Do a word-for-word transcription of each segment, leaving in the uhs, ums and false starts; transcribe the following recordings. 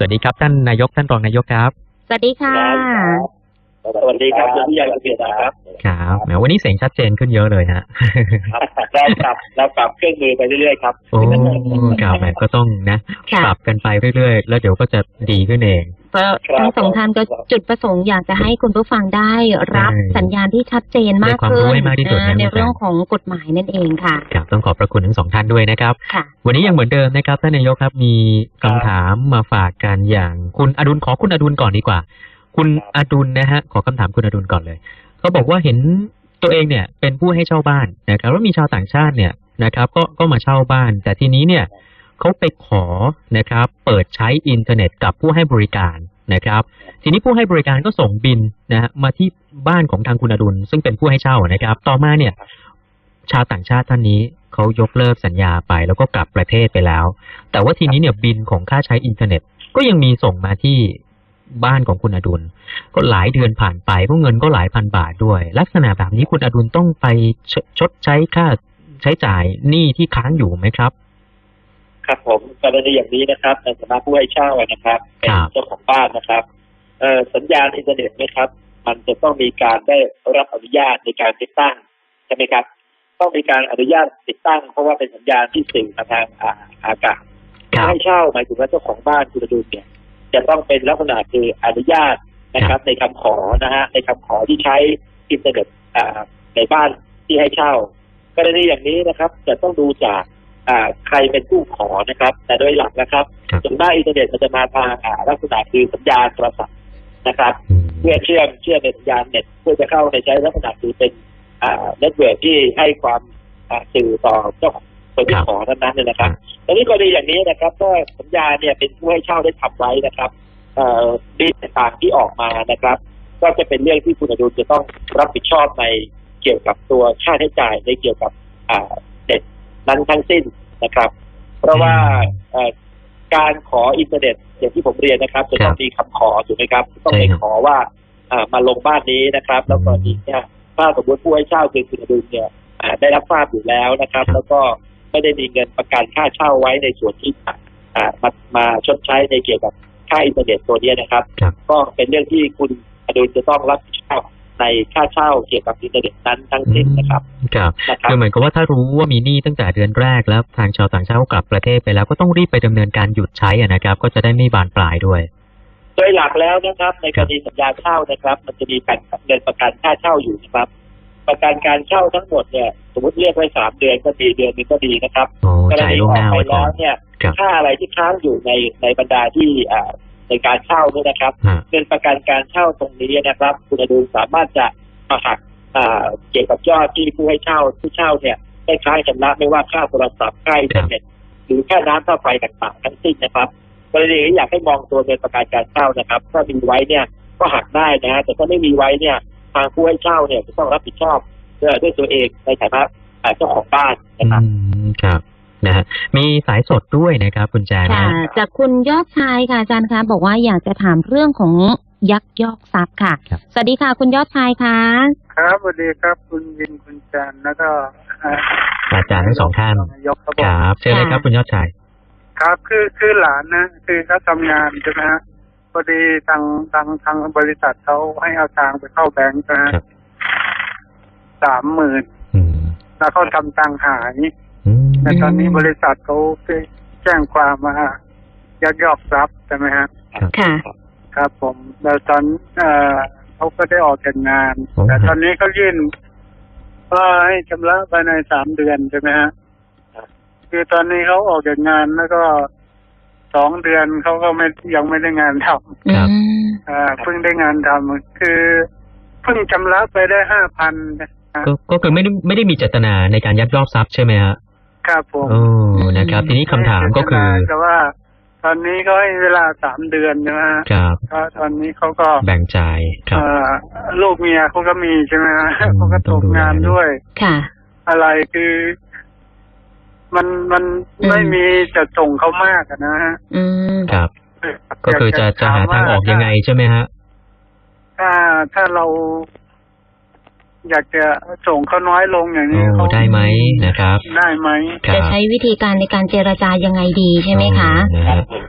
วัสดีครับท่านนายกท่านรองนายกครับสวัสดีค่ะสวัสดีครับคุณผู้ใหญ่เกียรตินะครับครับแหมวันนี้เสียงชัดเจนขึ้นเยอะเลยฮะเราปรับเราปรับเครื่องมือไปเรื่อยๆครับโอ้ครับแหมก็ต้องนะปรับกันไปเรื่อยๆแล้วเดี๋ยวก็จะดีขึ้นเองทั้งสองท่านก็จุดประสงค์อยากจะให้คุณผู้ฟังได้รับสัญญาณที่ชัดเจนมากขึ้นในเรื่องของกฎหมายนั่นเองค่ะครับต้องขอบพระคุณทั้งสองท่านด้วยนะครับวันนี้ยังเหมือนเดิมนะครับท่านนายกครับมีคำถามมาฝากกันอย่างคุณอดุลขอคุณอดุลก่อนดีกว่าคุณอดุลนะฮะขอคำถามคุณอดุลก่อนเลยเขาบอกว่าเห็นตัวเองเนี่ยเป็นผู้ให้เช่าบ้านนะครับแล้วมีชาวต่างชาติเนี่ยนะครับก็ก็มาเช่าบ้านแต่ทีนี้เนี่ยเขาไปขอนะครับเปิดใช้อินเทอร์เน็ตกับผู้ให้บริการนะครับทีนี้ผู้ให้บริการก็ส่งบิลนะฮะมาที่บ้านของทางคุณอดุลซึ่งเป็นผู้ให้เช่านะครับต่อมาเนี่ยชาวต่างชาติท่านนี้เขายกเลิกสัญญาไปแล้วก็กลับประเทศไปแล้วแต่ว่าทีนี้เนี่ยบิลของค่าใช้อินเทอร์เน็ตก็ยังมีส่งมาที่บ้านของคุณอดุลก็หลายเดือนผ่านไปก็เงินก็หลายพันบาทด้วยลักษณะแบบนี้คุณอดุลต้องไปชดใช้ค่าใช้จ่ายหนี้ที่ค้างอยู่ไหมครับครับผมกรณีอย่างนี้นะครับในฐานะผู้ให้เช่านะครับเป็นเจ้าของบ้านนะครับเอ่อสัญญาณอินเทอร์เน็ตนะครับมันจะต้องมีการได้รับอนุญาตในการติดตั้งใช่ไหมครับต้องมีการอนุญาตติดตั้งเพราะว่าเป็นสัญญาณที่สื่อมาทางอากาศให้เช่าหมายถึงว่าเจ้าของบ้านคุณอดุลเนี่ยจะต้องเป็นลักษณะคืออนุญาตนะครับในคำขอนะฮะในคำขอที่ใช้อินเทอร์เน็ตในบ้านที่ให้เช่ากรณีอย่างนี้นะครับจะต้องดูจากใครเป็นผู้ขอนะครับแต่โดยหลักนะครับส่วนมากอินเทอร์เน็ตมันจะมาทางลักษณะคือสัญญาณโทรศัพท์นะครับเพื่อเชื่อมเชื่อมในสัญญาณเน็ตเพื่อจะเข้าในใช้ลักษณะคือเป็นเน็ตเวิร์คที่ให้ความสื่อต่อเจ้าของคนที่ขอนั้นนั้นเลยนะครับตอนนี้กรณีอย่างนี้นะครับก็สัญญาเนี่ยเป็นผู้ให้เช่าได้ทำไว้นะครับบิลต่างๆที่ออกมานะครับก็จะเป็นเรื่องที่คุณอดุลจะต้องรับผิดชอบในเกี่ยวกับตัวค่าใช้จ่ายในเกี่ยวกับเน็ตนั้นทั้งสิ้นนะครับเพราะว่าการขออินเทอร์เน็ตอย่างที่ผมเรียนนะครับจะต้องมีคำขอถูกไหมครับต้องไปขอว่ามาลงบ้านนี้นะครับแล้วก็อีกเนี่ยถ้าสมมติผู้ให้เช่าคือคุณอดุลเนี่ยได้รับทราบอยู่แล้วนะครับแล้วก็ไม่ได้มีเงินประกันค่าเช่าไว้ในส่วนที่มามาชดใช้ในเกี่ยวกับค่าอินเทอร์เน็ตตัวนี้นะครับก็เป็นเรื่องที่คุณอดุลจะต้องรับผิดชอบในค่าเช่าเกี่ยวกับอินเทอร์เน็ตนั้นทั้งสิ้นนะครับครับคือเหมือนกับว่าถ้ารู้ว่ามีหนี้ตั้งแต่เดือนแรกแล้วทางชาวต่างชาติกลับประเทศไปแล้วก็ต้องรีบไปดำเนินการหยุดใช้นะครับก็จะได้ไม่บานปลายด้วยโดยหลักแล้วนะครับในกรณีสัญญาเช่านะครับมันจะมีการเงินประกันค่าเช่าอยู่นะครับประกันการเช่าทั้งหมดเนี่ยสมมติเรียกไว้สามเดือนก็ดีเดือนนึงก็ดีนะครับกรณีออกไปแล้วเนี่ยค่าอะไรที่ค้างอยู่ในในบรรดาที่ในการเช่าเนี่ยนะครับเงินประกันการเช่าตรงนี้นะครับคุณอดุลสามารถจะมาหักเกี่ยวกับยอดที่ผู้ให้เช่าผู้เช่าเนี่ยได้ค้างชำระไม่ว่าค่าโทรศัพท์ค่าอินเทอร์เน็ตหรือค่าน้ำค่าไฟต่างๆทั้งสิ้นนะครับกรณีนี้อยากให้มองตัวเงินประกันการเช่านะครับถ้ามีไว้เนี่ยก็หักได้นะฮะแต่ถ้าไม่มีไว้เนี่ยทางผู้ให้เช่าเนี่ยจะต้องรับผิดชอบด้วยตัวเองในฐานะเจ้าของบ้านนะครับครับนะฮะมีสายสดด้วยนะครับคุณแจนค่ะจากคุณยอดชายค่ะอาจารย์คะบอกว่าอยากจะถามเรื่องของยักยอกทรัพย์ค่ะสวัสดีค่ะคุณยอดชายค่ะครับสวัสดีครับคุณยินคุณแจนแล้วก็อาจารย์ทั้งสองท่านครับเชิญเลยครับคุณยอดชายครับคือคือหลานนะคือเขาทำงานใช่ไหมฮะพอดีทางทางทางบริษัทเขาให้เอาทางไปเข้าแบงก์นะฮะสามหมื่นแล้วเขาทำตังหายแต่ตอนนี้บริษัทเขาแจ้งความมายักยอกทรัพย์ใช่ไหมฮะค่ะครับผมแล้วตอนเอ่อเขาก็ได้ออกจากงานแต่ตอนนี้เขายื่นว่าให้ชำระภายในสามเดือนใช่ไหมฮะคือตอนนี้เขาออกจากงานแล้วก็สองเดือนเขาก็ไม่ยังไม่ได้งานทำครับอ่าเพิ่งได้งานทำคือเพิ่งชำระไปได้ห้าพันก็ก็คือไม่ได้ไม่ได้มีเจตนาในการยักยอกทรัพย์ใช่ไหมฮะครับผมโอ้นะครับทีนี้คำถามก็คือแต่ว่าตอนนี้ก็ให้เวลาสามเดือนนะฮะครับก็ตอนนี้เขาก็แบ่งจ่ายครับลูกเมียเขาก็มีใช่ไหมฮะเขาก็ตกงานด้วยค่ะอะไรคือมันมันไม่มีจะส่งเขามากนะฮะอืมครับก็คือจะจะหาทางออกยังไงใช่ไหมฮะถ้าถ้าเราอยากจะส่งเขาน้อยลงอย่างนี้เขาได้ไหมนะครับได้ไหมจะใช้วิธีการในการเจรจายังไงดีใช่ไหมคะ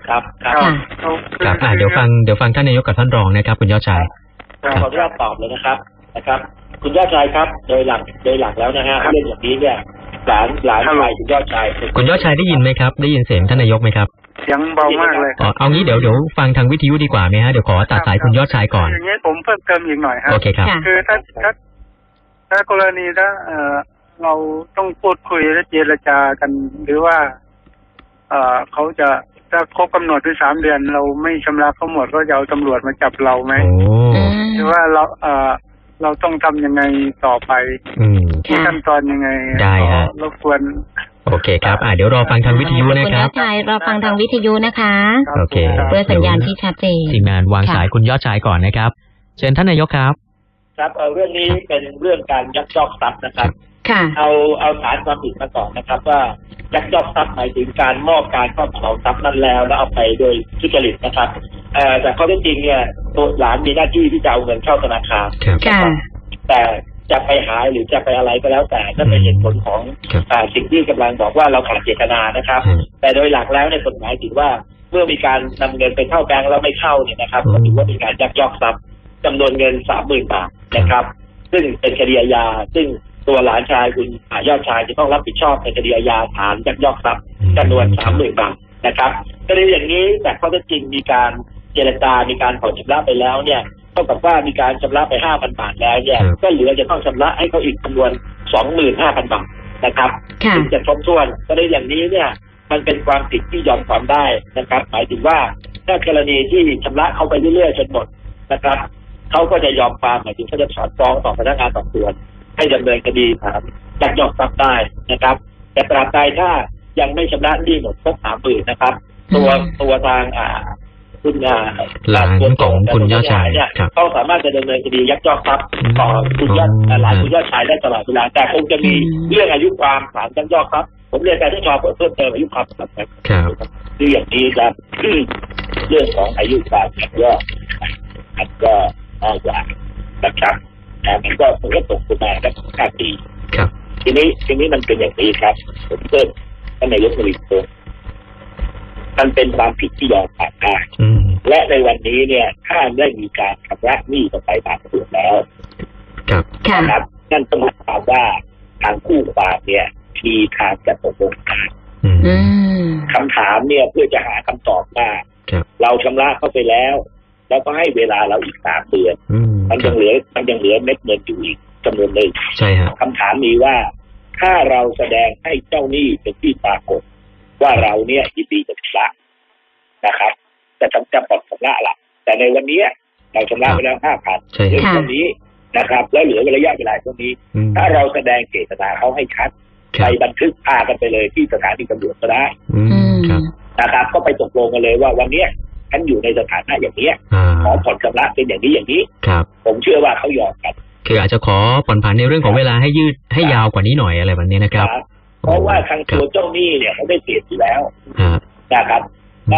ครับครับค่ะครับอ่าเดี๋ยวฟังเดี๋ยวฟังท่านนายกกับท่านรองนะครับคุณยอดชายขออนุญาตตอบเลยนะครับนะครับ คุณยอดชายครับโดยหลักโดยหลักแล้วนะฮะเรื่องอย่างนี้เนี่ยหลานหลานชายคุณยอดชายคุณยอดชายได้ยินไหมครับได้ยินเสียงท่านนายกไหมครับเสียงเบามากเลยอ๋อเอางี้เดี๋ยวเดี๋ยวฟังทางวิทยุดีกว่าไหมฮะเดี๋ยวขอตัดสายคุณยอดชายก่อนอย่างนี้ผมเพิ่มเติมอีกหน่อยฮะโอเคครับคือถ้าถ้าถ้ากรณีถ้าเอ่อเราต้องพูดคุยและเจรจากันหรือว่าเอ่อเขาจะถ้าครบกำหนดที่สามเดือนเราไม่ชำระเขาหมดก็จะเอาตำรวจมาจับเราไหมหรือว่าเราเอ่อเราต้องทำยังไงต่อไปที่ขั้นตอนยังไงได้ฮะรบกวนโอเคครับอ่าเดี๋ยวรอฟังทางวิทยุนะครับคุณยอดชายรอฟังทางวิทยุนะคะโอเคเพื่อสัญญาณที่ชัดเจนทีมงานวางสายคุณยอดชายก่อนนะครับเชิญท่านนายกครับครับเออเรื่องนี้เป็นเรื่องการยักยอกทรัพย์นะครับค่ะเอาเอาฐานความผิดมาก่อนนะครับว่ายักยอกทรัพย์หมายถึงการมอบการครอบครองทรัพย์นั้นแล้วแล้วเอาไปโดยทุจริตนะครับเอ่อแต่ข้อเท็จจริงเนี่ยตัวหลานมีหน้าที่ที่จะเอาเงินเข้าธนาคารแต่จะไปหาหรือจะไปอะไรก็แล้วแต่นั่นเป็นเหตุผลของสิ่งที่กำลังบอกว่าเราขาดเจตนานะครับแต่โดยหลักแล้วในกฎหมายถือว่าเมื่อมีการนำเงินไปเข้าแบงก์แล้วไม่เข้าเนี่ยนะครับก็ถือว่ามีการยักยอกทรัพย์จำนวนเงินสามหมื่นบาทนะครับซึ่งเป็นคดีอาญาซึ่งตัวหลานชายคุณยอดชายจะต้องรับผิดชอบในคดีอาญาฐานยักยอกทรัพย์จำนวนสามหมื่นบาทนะครับกรณีอย่างนี้แต่ข้อเท็จจริงมีการเจรจามีการผ่อนชำระไปแล้วเนี่ยเท่ากับว่ามีการชำระไป ห้าพัน บาทแล้วเนี่ยก็เหลือจะต้องชำระให้เขาอีกจำนวน สองหมื่นห้าพัน บาทนะครับถึงจะครบถ้วนกรณีอย่างนี้เนี่ยมันเป็นความผิดที่ยอมความได้นะครับหมายถึงว่าถ้ากรณีที่ชำระเขาไปเรื่อยๆจนหมดนะครับเขาก็จะยอมความหมายถึงเขาจะถอนฟ้องต่อพนักงานสอบสวนให้ดำเนินคดีฐานยักยอกทรัพย์ได้นะครับแต่ตราบใดถ้ายังไม่ชำระหนี้หมดครบสามหมื่นนะครับตัวตัวทางอ่าคุณหลานของคุณยอดชายเนี่ยเขาสามารถจะดำเนินคดียักยอกทรัพย์ต่อคุณยอดหลานคุณยอดชายได้ตลอดเวลาแต่คงจะมีเรื่องอายุความฐานยักยอกทรัพย์ผมเรียนการที่ชอบเพิ่มเติมอายุความครับคืออย่างนี้ครับเรื่องของอายุความยักยอกมันก็มากกว่านะครับแต่มันก็มันก็ตกประมาณสักห้าปีทีนี้ทีนี้มันเป็นอย่างนี้ครับผมเพิ่มท่านนายกมีตัวมันเป็นความผิดที่ยอมความได้และในวันนี้เนี่ยถ้าได้มีการชำระหนี้กันไปบางส่วนแล้วนะครับนั่นต้องหมายความว่าทางคู่ความเนี่ยมีทางจะตกลงกันคำถามเนี่ยเพื่อจะหาคำตอบว่าเราชำระเข้าไปแล้วแล้วก็ให้เวลาเราอีกสามเดือนมันยังเหลือมันยังเหลือเม็ดเงินอยู่อีกจำนวนหนึ่งใช่ครับคำถามมีว่าถ้าเราแสดงให้เจ้าหนี้เป็นที่ปรากฏว่าเราเนี่ยยินดีจะชำระนะครับจะจำจะปลดชำระละแต่ในวันนี้เราชำระไปแล้วห้าพันเหลือตรงนี้นะครับแล้วเหลือระยะเวลาตรงนี้ถ้าเราแสดงเจตนาเขาให้ชัดไปบันทึกพากันไปเลยที่สถานีตำรวจก็ได้นะครับก็ไปตกลงกันเลยว่าวันนี้ฉันอยู่ในสถานะอย่างนี้ขอผ่อนชำระเป็นอย่างนี้อย่างนี้ผมเชื่อว่าเขายอมกันคืออาจจะขอผ่อนผันในเรื่องของเวลาให้ยืดให้ยาวกว่านี้หน่อยอะไรแบบนี้นะครับเพราะว่าทางตัวเจ้าหนี้เนี่ยเขาได้เปรียบอยู่แล้วนะครับเขา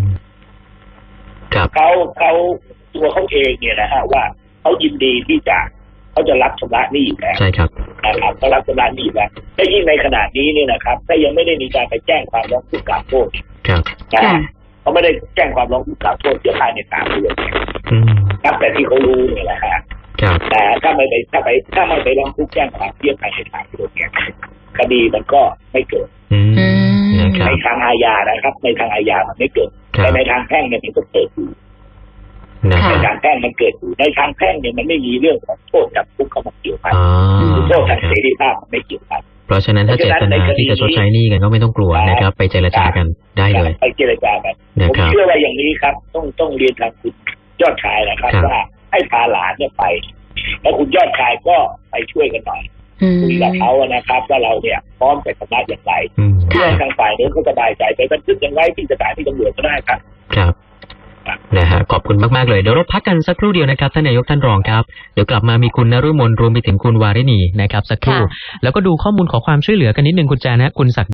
เขาเขาตัวเขาเองเนี่ยนะฮะว่าเขายินดีที่จะเขาจะรับชำระหนี้อยู่แล้วใช่ครับนะครับเขารับชำระหนี้แล้วแต่ยิ่งในขณะนี้เนี่ยนะครับถ้ายังไม่ได้มีการไปแจ้งความร้องทุกข์กล่าวโทษนะเขาไม่ได้แจ้งความร้องทุกข์กล่าวโทษเสียภายในสามเดือนครับแต่ที่เขารู้เนี่ยแหละฮะแต่ถ้าไม่ไปถ้าไปถ้าไม่ไปร้องทุกข์แจ้งความเสียภายในสามเดือนเนี่ยคดีมันก็ไม่เกิดในทางอาญานะครับในทางอาญามันไม่เกิดแต่ในทางแพ่งเนี่ยมันก็เกิดอยู่ในทางแพ่งมันเกิดอยู่ในทางแพ่งเนี่ยมันไม่มีเรื่องของโทษจำคุกเข้ามาเกี่ยวข้องโทษทางเสรีภาพมันไม่เกี่ยวข้องเพราะฉะนั้นถ้าเจตนาที่จะชดใช้หนี้กันก็ไม่ต้องกลัวนะครับไปเจรจากันได้เลยไปเจรจากันผมเชื่อว่าอย่างนี้ครับต้องต้องเรียนทางคุณยอดชายนะครับว่าให้พาหลานเนี่ยไปแล้วคุณยอดชายก็ไปช่วยกันหน่อยคุยกับเขานะครับว่าเราเนี่ยพร้อมจะชำระอย่างไรเพื่อทางฝ่ายนี้เขาสบายใจไปบันทึกอย่างไรที่สถานีตำรวจก็ได้ครับครับนะฮะขอบคุณมากๆเลยเดี๋ยวเราพักกันสักครู่เดียวนะครับท่านนายกท่านรองครับเดี๋ยวกลับมามีคุณนฤมลรวมไปถึงคุณวาริณีนะครับสักครู่แล้วก็ดูข้อมูลขอความช่วยเหลือกันนิดนึงคุณแจนะคุณศักดิ์